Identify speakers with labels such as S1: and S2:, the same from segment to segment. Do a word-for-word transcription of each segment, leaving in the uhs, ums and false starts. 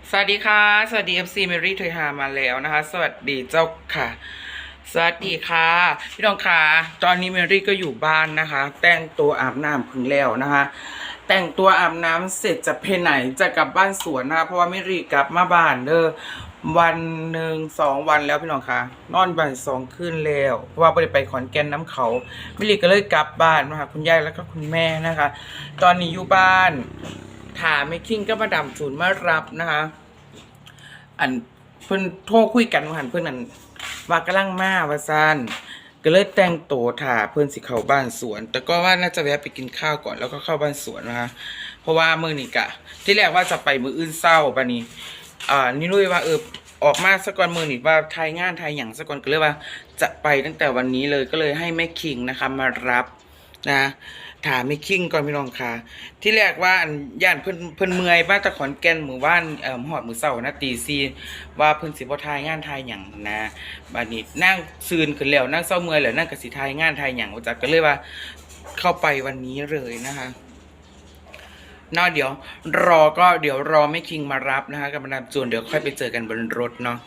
S1: สวัสดีค่ะสวัสดี เอฟ ซี Mary เทยหามาแล้วนะคะสวัสดีเจ้าค่ะสวัสดีค่ะพี่น้องค่ะตอนนี้เมรี่ก็อยู่บ้านนะคะแต่งตัวอาบน้ำพึ่งแล้วนะคะแต่งตัวอาบน้ำเสร็จจะไปไหนจะกลับบ้านสวนนะคะเพราะว่าเมรี่กลับมาบ้านเด้อวันหนึ่งสองวันแล้วพี่น้องค่ะนอนบ่ายสองคืนแล้วเพราะว่าไปไปขอนแก่นน้ำเขาเมรี่ก็เลยกลับบ้านนะคะคุณยายแล้วก็คุณแม่นะคะตอนนี้อยู่บ้านถามไม่คิงก็มาดำศูนย์มารับนะคะอันเพิ่นโทรคุยกันว่าหันเพิ่นนั่นว่ากำลังมาว่าซั่นก็เลยแต่งตัวถ่าเพิ่นสิเข้าบ้านสวนแต่ก็ว่าน่าจะแวะไปกินข้าวก่อนแล้วก็เข้าบ้านสวนนะคะเพราะว่ามื้อนี้กะที่แรกว่าจะไปมื้ออื่นเช้าบัดนี้อ่านี่รู้ว่าเออออกมาสักก่อนมื้อนี้ว่าทายงานทายหยังสักก่อนก็เลยว่าจะไปตั้งแต่วันนี้เลยก็เลยให้แม่คิงนะคะมารับนะถามไม่คิงก่อนพี่น้องค่ะที่แรกว่าอันย่านเพิ่นเพิ่นเมื่อยบ้านตะขอนแก่นหมู่บ้านเอ่อหอดมื้อเช้านะตีสี่ว่าเพิ่นสิบ่ทายงานทายหยังนะบัดนี้นั่งซืนขึ้นแล้วนั่งเช้าเมื่อยแล้วนั่งก็สิทายงานทายหยังว่าจักก็เลยว่าเข้าไปวันนี้เลยนะคะเนาะเดี๋ยวรอก็เดี๋ยวรอแม่คิงมารับนะคะกับมาดามจูนเดี๋ยวค่อยไปเจอกันบนรถเนาะ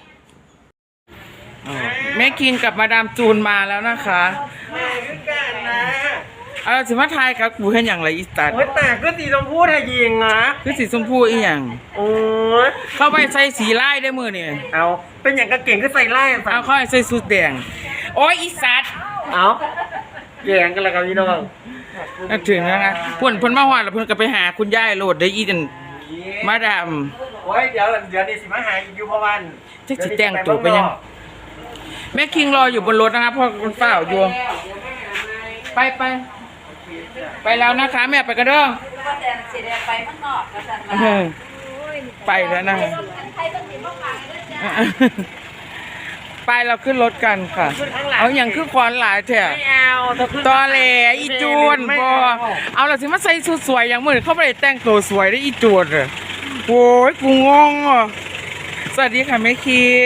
S1: แม่คิงกับมาดามจูนมาแล้วนะคะ
S2: มาขึ้นกันนะ
S1: เอาสิมาทายครับกูเห็นอย่างไรอีสตัด
S2: โอ้ยแต่ก็สีชมพูไทยยิงนะ
S1: คือสีชมพูอีหยัง
S2: โอ้ย
S1: เข้าไปใส่สีไล่ได้มือเนี่ย
S2: เอาเป็นอย่างกระเก่งก็ใส่ไล่
S1: เอาเข้าไปใส่สูทแดงโอ้ยอีสัตว์
S2: เอาแย่งกันแล้วกับพี่น้อง
S1: นึกถึงนะคะเพื่อนเพื่อนมาหวานแล้วเพื่อนก็ไปหาคุณย่ายโหลดได้อีจันมาดาม
S2: โอ้ยเดี๋ยวเดี๋ยวนี่สิมาหาอยู่พวัน
S1: จะสิแต่งตัวไปยังแม่คิงรออยู่บนรถนะคะเพราะมันเฝ้าอยู่ไปไปไปแล้วนะคะแม่ไปกันเด้อไปแล้วนะไปเราขึ้นรถกันค่ะเอาอย่างคือควานหลายแถวตอแหลอีจูนบอเอาเราสิมาใส่ชุดสวยอย่างเหมือนเขาไปแต่งตัวสวยได้อีจูนเลยโอ้ยกูงงอ่ะสวัสดีค่ะแม่คิง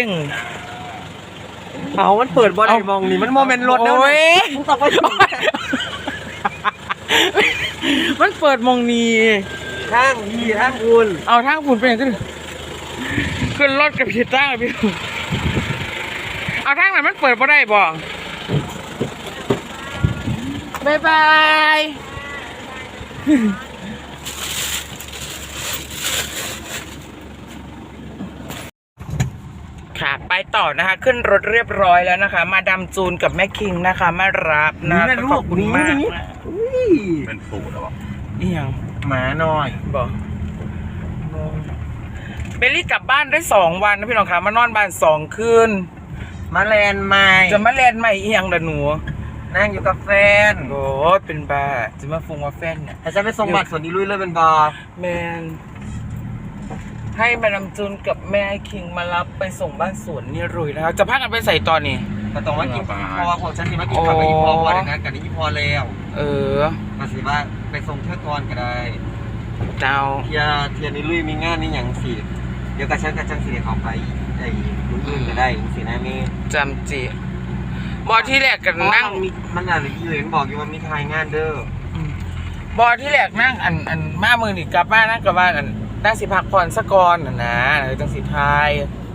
S2: เอามันเปิดบอลไอมองนี่มันโมเมนต์รถแล้วมึงตอบว่า
S1: มันเปิดมองนี้
S2: ทางยีทางคุณ
S1: เอาทางคุณเป็นยังไงขึ้นรถกับพี่ตั้งพี่เอาทางไหนมันเปิดมาได้บ่บายบายค่ะไปต่อนะคะขึ้นรถเรียบร้อยแล้วนะคะมาดามจูนกับแม่คิงนะคะมารับนะขอบคุณมาก
S3: เป็นฝูงหรอ
S1: นี่ยัง
S2: หมาหน่อย
S1: บอกเบลลี่กลับบ้านได้สองวันนะพี่น้องคะมานอนบ้านสองคืน
S2: มาแลนใหม่
S1: จะมาแลนใหม่อีหยังล่ะหนู
S2: นั่งอยู่กับแฟน
S1: โอ้เป็นบ้าจะมาฟงว่าแฟนเนี่ย
S2: แต่ฉันไปส่งบัตรส่วนนี้ลุยเลยเป็นบอ
S1: แมนให้มาดามจูนกับแม่คิงมารับไปส่งบ้านสวนนี่รุยนะคะจะพักกันไปใส่ตอนนี้
S2: ก็ต้องว่ากินพอของฉันสิมากินผักกับอีพอพอเดี๋ยวนั้นกับอีพอแล้ว
S1: เออ
S2: มาสิว่าไปส่งเท่าก่อนก็ได้
S1: เจ้า
S2: เทียเทียนี่ลุยมีงานนี่อย่างสิเดี๋ยวกับฉันกับจังสิเดี๋ยวเขาไปไอ้ลุยอื่นก็ได้สินะมี
S1: จำจีบอที่แรกกันนั่ง
S2: มันอะไรที่เห็นบอกอยู่ว่ามีทายงานเด้
S1: อบอที่แรกนั่งอันอันมามือหนีกลับบ้านนั่งกลับบ้านอันนั่งสิพักผ่อนสักก่อนนะนะจังสิทาย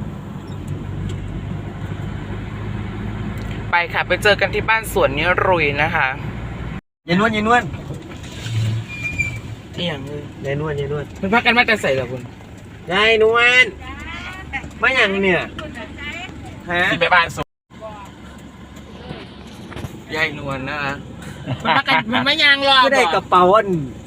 S1: ไปค่ะไปเจอกันที่บ้านสวนนี้รุยนะคะ
S2: ยายนวลยายนวล
S1: ที่อย่างเลย
S2: ยายนวลยายนวล
S1: มันพักกันมาแต่ใส่เหรอคุณ
S2: ยายนวลไม่อย่างเนี่ย
S1: ฮะไปบ้านสวนยายนวลนะคะมันพักกันมันไม่ยางรอ
S2: ก็ได้กระเป๋าอัน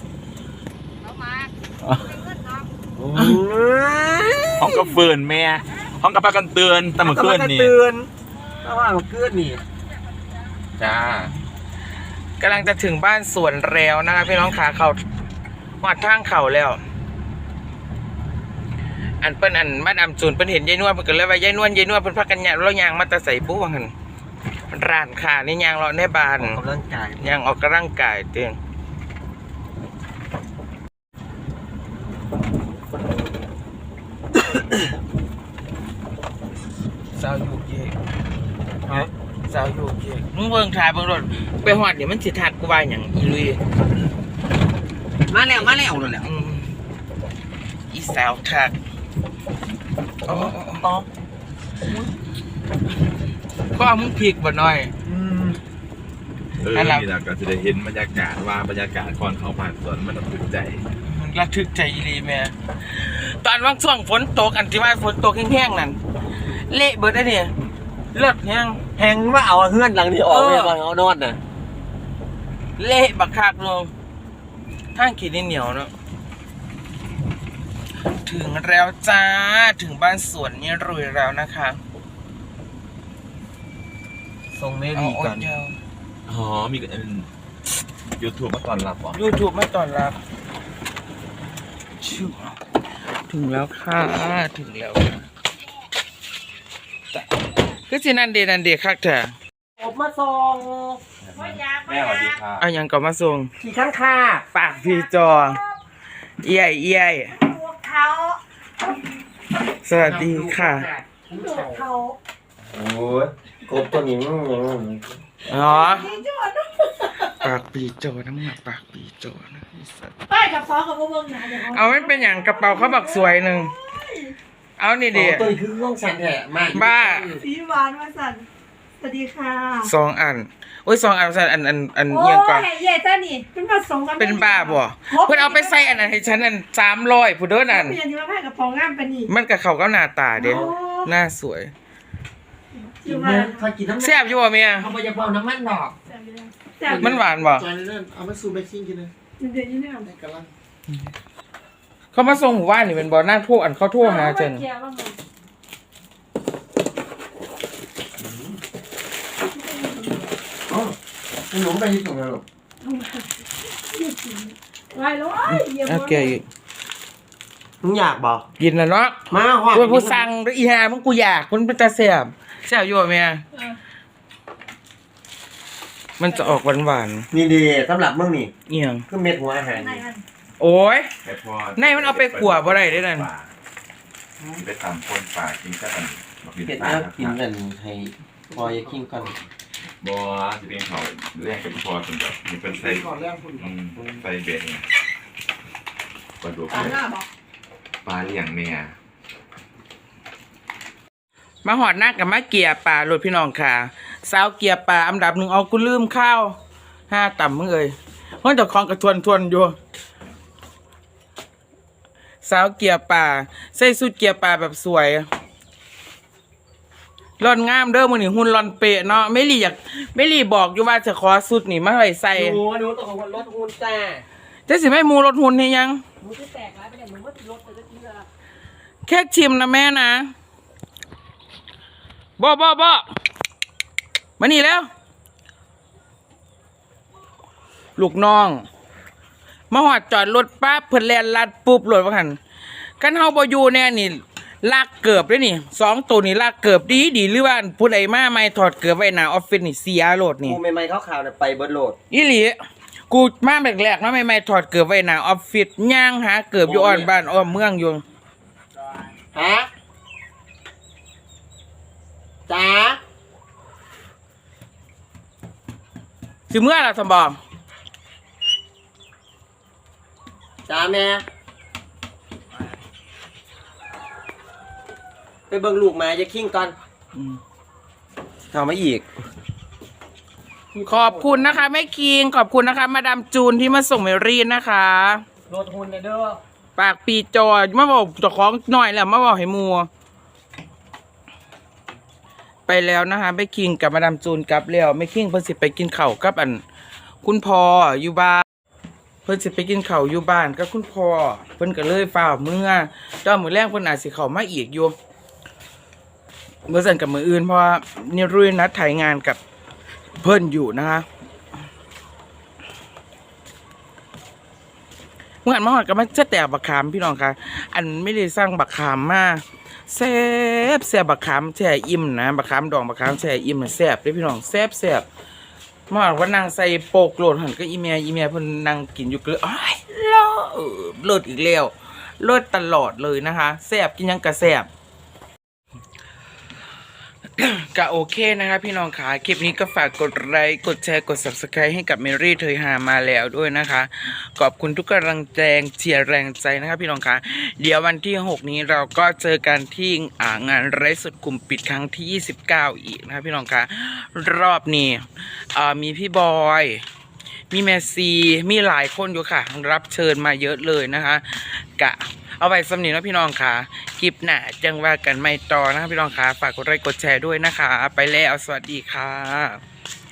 S3: ห้องกระเฟือนแม่ห้องกระปากันเตือนแต่เมื่อคืนนี่
S2: เตือนแต่ว่าเมื่อคืนนี่
S3: จ้าก
S1: ำลังจะถึงบ้านสวนแล้วนะคะพี่น้องขาเขาหอดทางเขาแล้วอันเปิ้นอันมาดามจูนเปิ้นเห็นยายนวลเปิ้นก็เลยว่ายายนวลยายนวลเปิ้นพักกันยางแล้วยางมาแต่ใส่ปุ๊บว่าหั่นร้านค้านี่ยางเราในบ้าน
S2: ออกกำลังกาย
S1: ยางออกกำลังกายเตียงสาวอยู่เย่ฮะสาวอยู่เย่มึงเบิ่งถ่ายเบิ่งรถไปหอดเดี๋ยวมันสิทักกูว่าอย่างอีลุย
S2: มาแล้วมาแล้วนั่นแหละ
S1: อีสาวทักอ๋อ
S2: ต้อม
S1: ก็เอามึงผิกบ่หน่อย
S3: เออนี่นะก็จะได้เห็นบรรยากาศว่าบรรยากาศก่อนเขาผ่านสวนมันถึกใจ
S1: มันระทึกใจอีหลีแม่ตอนว่างช่วงฝนตกอันที่ว่าฝนตกแห้งๆนั่นเละเบิดได้เนี่ยเลือดแห้ง
S2: แหงว่าเอาเฮือนหลังนี้ออก
S1: เออ
S2: ไปก่อนเอานอนน่ะ
S1: เละบักคักลงทางขีดเหนียวเนาะถึงแล้วจ้าถึงบ้านสวนนี่รวยแล้วนะคะ
S2: ทรงไม่
S1: เอา
S2: ดี
S1: โอ๊
S2: กั
S1: ต
S2: น
S1: เดียว
S3: อ๋อมีกันยูทูบมาตอนรับเหรอ
S1: ยูทูบไม่ตอนรับชิวถึงแล้วค่ะถึงแล้วค่ะแต่ก็สินันเดนันเดคักเถอะ
S2: ผมมาส่ง
S3: แม่สวัสดีค่ะ
S1: เอายังก็มาส่ง
S2: ขี่ข้างค่า
S1: ปากพี่จอ เอี้ยเอี้ย
S4: เขา
S1: สวัสดีค่ะ
S4: เขา
S2: โอ้ยกบตัวนี้มันยัง
S1: อ๋อ
S4: ที่จอด
S1: ปากปีโจน้ำหนักปากปีโจนะไอ้สัตว์
S4: ป้ายกับซอกับพวกมึงนะเดี๋ยว
S1: เอาไม่เป็นอย่างกระเป๋าเขาบักสวยหนึ่งเอานี่ดิ
S2: ตัวนี้คือห้องสันแถะมาก
S1: บ้า
S4: สีหวานมาสั่นสวัสดีค่ะ
S1: สองอันโอ้ยสองอันสันอันอันอัน
S4: โอ้
S1: เอียงก่อน
S4: ยเย่เจ้านี่เป็นผสมกัน
S1: เป็นบ้าบ่เพื่อนเอาไปใส่อันนั้นให้ฉันอันสามร้อยผู้เด้อนั่น
S4: เป็นยังที่ว่าป้ายกับพองงามเป็นนี่
S1: มันกับเขาก็หน้าตาเด้
S4: โอ้
S1: หน้าสวย
S4: อยู่มา
S2: คอยกินน้ำ
S1: แซ่บอยู่บ่เมีย
S2: เขาไปจะเบาน้ำมันดอก
S4: แต่
S1: มันหวานบ่
S2: จอยเล่นเอามาซูเบกซิ่งกินเลย
S4: เดี๋ยวนี้เนี่ย
S2: ในกระลัง
S1: เขามาส่งหมู่บ้านนี่เป็นบ่หน้าทั่วอันเขาทั่วหาจัน
S4: เกียร์บ้างมั้ย
S2: อ๋อหนูไปที่ตรงนั้นหรอ
S4: ไว้แล้วเยี่ยม
S1: โอเค
S2: มึงอยากบอก
S1: กินแล้วเนาะ
S2: มาหวาน
S1: กูผู้สั่งด้วยอีหามึงกูอยากมันเป็นตาแซ่บแซ่บอยู่บ่เมียมันจะออกหวาน
S2: นี่ดีสำหรับมึงนี่
S1: ๆเอียง
S2: คือเม็ดหัวอาหาร
S4: ไหน
S2: นี่
S4: มัน
S1: โอ้ย
S3: ไอพอ
S1: ในมันเอาไปขั่วบ่ได้เด้อนั่น
S3: ไปตำคนป่ากินก็ตัน
S2: เผ็ดแล้วกินกันให้พอยาคิงก่อน
S3: บัวจะเป็นเขาแรกกับพอจนแบบมีเป็นไซ
S2: ก่อนเรื่องคุณ
S3: อืมไซเบ็ดเนี่ยปลาดุก
S4: ตาหน้าบอก
S3: ปลาเลี้ยงเนี่ย
S1: มาหอดหน้ากับมาเกียร์ป่าโหลดพี่น้องค่ะสาวเกียร์ป่าอันดับหนึ่งเอากูลืมข้าวห้าต่ำมึงเอ้ยเพราะเจ้าของกระทวนทวนอยู่สาวเกียร์ป่าใส่สุดเกียร์ป่าแบบสวยร่อนงามเด้อมือนี่หุ่นร่อนเปะเนาะไม่รีอยากไม่รีบอกอยู่ว่าจะขอสุดนี่มาไว้ใส่
S2: ดูดูตัวของรถหุ่นแต่
S1: จะสิไม่มูรถหุ่นให้ยัง
S4: มึงจะแตกแล้วไปไหนมึงว่าติดรถแต่จะกินอะไร
S1: แค่ชิมนะแม่นะบ่บ่บ่มานี่แล้ว ลูกน้อง มาหอดจอดรถปั๊บเพิ่นแล่นลัดปุ๊บรถว่าหั่นกันเฮาบ่อยู่แน่นี่ลากเกือบเด้นี่สองตัวนี่ลากเกือบดีดีหรือว่าผู้ใดมาใหม่ถอดเกือบไว้หน้าออฟฟิศนี่เสียโลดนี่
S2: กูใหม่ๆขาวๆเนี่ยไปเบิร์ดโหลด
S1: อีหลีกูมาแรกๆเนาะใหม่ๆถอดเกือบไว้หน้าออฟฟิศย่างหาเกือบอยู่อ่อนบ้านอ้อมเมืองอยู่
S2: ฮะจ๋า
S1: สิเมื่อล่ะสมบอง
S2: จ๋าแม่ไปเบิ่งลูกมาจะคิงก่อนทำมาอีก
S1: ขอบคุณนะคะแม่คิงขอบคุณนะคะมาดามจูนที่มาส่งเมรีนนะคะ
S2: รถหุ่นเด้อ
S1: ปากปีจอมาบอกเจ้าของหน่อยแหละมาบอกให้มัวไปแล้วนะคะแม่คิงกับมาดามจูนกลับแล้วแม่คิงเพิ่นสิไปกินข้าวกับอัน คุณพ่ออยู่บ้านเพิ่นสิไปกินข้าวอยู่บ้านกับคุณพ่อเพิ่นก็เลยฟ้าวเมื่อตอนมื้อแรกเพิ่นอาจสิเข้ามาอีกอยู่เมื่อสั่นกับมื้ออื่นเพราะว่านี่รุ่ยนัดถ่ายงานกับเพิ่นอยู่นะคะเมื่ออันมาหอดกับมันจะแต่บักขามพี่น้องค่ะอันไม่ได้สร้างบักขามมาแซ่บแซ่บบักขามแช่อิ่มนะบักขามดองบักขามแช่อิ่มน่ะแซ่บเด้อพี่น้องแซ่บแซ่บมาหอดว่านางใส่โปกโลดหันก็อีเมียอีเมียเพิ่นนั่งกินอยู่เกลืออ้ายเลิศเลิศอีกแล้วเลิศตลอดเลยนะคะแซ่บกินหยังกะแซ่บก็โอเคนะคะพี่น้องค่ะคลิปนี้ก็ฝากกดไลค์กดแชร์กด ซับสไครบ์ ให้กับเมรี่เธยหามาแล้วด้วยนะคะขอบคุณทุกกำลังแรงเชียร์แรงใจนะคะพี่น้องค่ะเดี๋ยววันที่หกนี้เราก็เจอกันที่อ่างานไร้สุดกลุ่มปิดครั้งที่ยี่สิบเก้าอีกนะคะพี่น้องค่ะรอบนี้อ่ามีพี่บอยมีแมซีมีหลายคนอยู่ค่ะรับเชิญมาเยอะเลยนะคะกะเอาไว้สำนีนะพี่น้องค่ะคลิปหน้าจังว่ากันไม่ต่อนะคะพี่น้องค่ะฝากกดไลค์กดแชร์ด้วยนะคะไปแล้วสวัสดีค่ะ